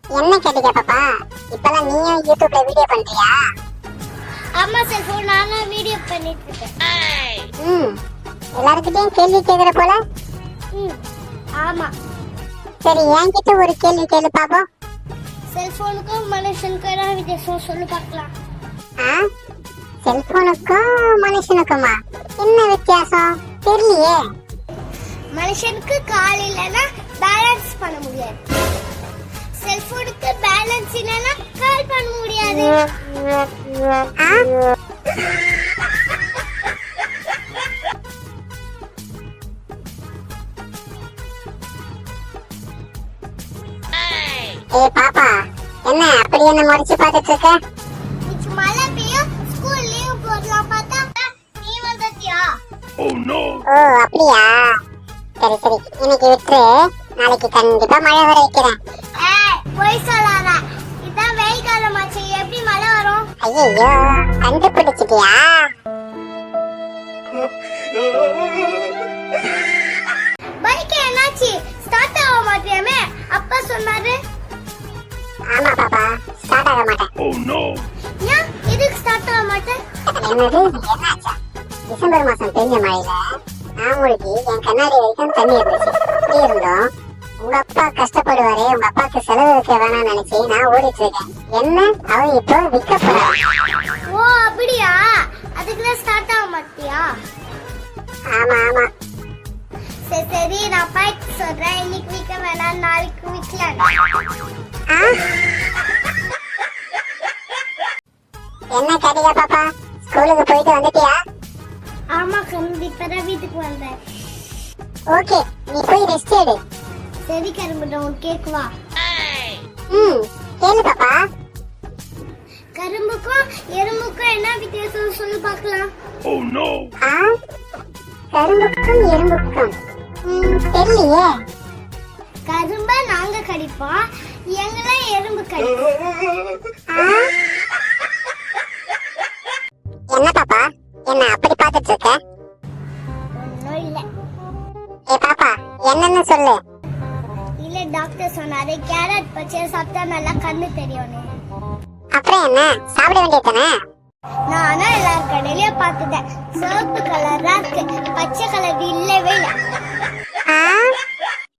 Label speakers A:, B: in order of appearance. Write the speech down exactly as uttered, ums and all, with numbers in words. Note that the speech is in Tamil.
A: என்ன கேட்டீங்க பாப்பா? இப்பலாம் நீயும் யூடியூப்ல வீடியோ பண்றியா?
B: ஆமா செல்போன் நானும் வீடியோ பண்ணிட்டு இருக்கேன்.
A: ம் எல்லார்கிட்டயும் கேள்வி கேக்குற போல.
B: ம் ஆமா.
A: சரி என்கிட்ட ஒரு கேள்வி கேளு பாப்போம்.
B: செல்போனுக்கும் மனுஷனுக்கும் என்ன வித்தியாசம் சொல்லு பார்க்கலாம்.
A: ஆ செல்போனுக்கும் மனுஷனுக்குமா என்ன வித்தியாசம் தெரியலையே.
B: மனுஷனுக்கு கால் இல்லைன்னா பேலன்ஸ் பண்ண முடியாது. செல்போனுக்கு பேலன்ஸ் இல்லைன்னா கால் பண்ண முடியாது.
A: ஆ ஏ பாப்பா, என்ன அப்படி என்ன முறைச்சு பார்த்துட்டு இருக்க?
B: இன்னைக்கு மழை பெய்யும், ஸ்கூல் லீவ் போடலாம் பார்த்தா நீ வந்துட்டியா?
A: ஓ அப்படியா? சரி சரி இன்னைக்கு விட்டுரு, நாளைக்கு கண்டிப்பா மழை வர வைக்கிறேன்.
B: ஏய் போய் சொல்லாத, இதான் வெயில் காலமாச்சு, எப்படி மழை வரும்?
A: ஐயோ கண்டுபிடிச்சிட்டியா?
B: பைக் என்னாச்சு? ஸ்டார்ட் ஆக மாட்டியாமே, அப்பா சொன்னாரு.
A: ஆமா பாப்பா, ஸ்டார்ட் ஆக மாட்டேன்.
C: Oh no!
B: ஏன் எதுக்கு ஸ்டார்ட் ஆக மாட்டேன்?
A: என்னது என்னாச்சா? டிசம்பர் மாசம் பெய்ஞ்ச மழையில நான் மூழ்கி என் கண்ணாடி வரைக்கும் தண்ணி இருந்துச்சு. இப்படி இருந்தோம் உங்க அப்பா கஷ்டப்படுவாரே, உங்க அப்பாக்கு செலவு வைக்க வேணாம்னு நினைச்சு நான் ஓடிட்டு இருக்கேன். என்ன அவன் இப்போ விற்க போறான்.
B: ஓ அப்படியா? அதுக்குதான் ஸ்டார்ட் ஆக மாட்டியா?
A: ஆமா ஆமா.
B: சரி சரி நான் பைக் சொல்றேன், இன்னைக்கு விற்க வேணாம், நாளைக்கு விற்கலாம்.
A: ஆ? என்ன கடிகா பாப்பா, ஸ்கூலுக்கு போயிட்டு வந்துட்டியா?
B: ஆமா கரும்பு, இப்பதான் வீட்டுக்கு வந்தேன்.
A: ஓகே நீ போய் ரெஸ்ட் எடு.
B: சரி கரும்பு, உன் கேக்குவா?
A: ம் கேளு பாப்பா.
B: கரும்புக்கும் எறும்புக்கும் என்ன வித்தியாசம் சொல்லு பார்க்கலாம்.
C: Oh no!
A: ஆ கரும்புக்கும் எறும்புக்கும் ம் தெரியலையே.
B: கரும்ப நாங்க கடிப்போம், எங்களை எறும்பு கடிப்போம்.
A: ஆ? என்ன பாப்பா, என்ன அப்படி பார்த்துட்டு இருக்க?
B: ஒன்னும் இல்ல.
A: ஏ பாப்பா என்னன்னு சொல்லு.
B: இல்ல டாக்டர் சொன்னாரு கேரட் பச்சை சாப்பிட்டா நல்லா கண்ணு தெரியும்னு.
A: அப்புறம் என்ன சாப்பிட வேண்டியதானே?
B: நானும் எல்லார் கடையிலயும் பார்த்துட்டேன், சிவப்பு கலரா இருக்கு, பச்சை கலர் இல்லவே இல்லை.
A: ஆ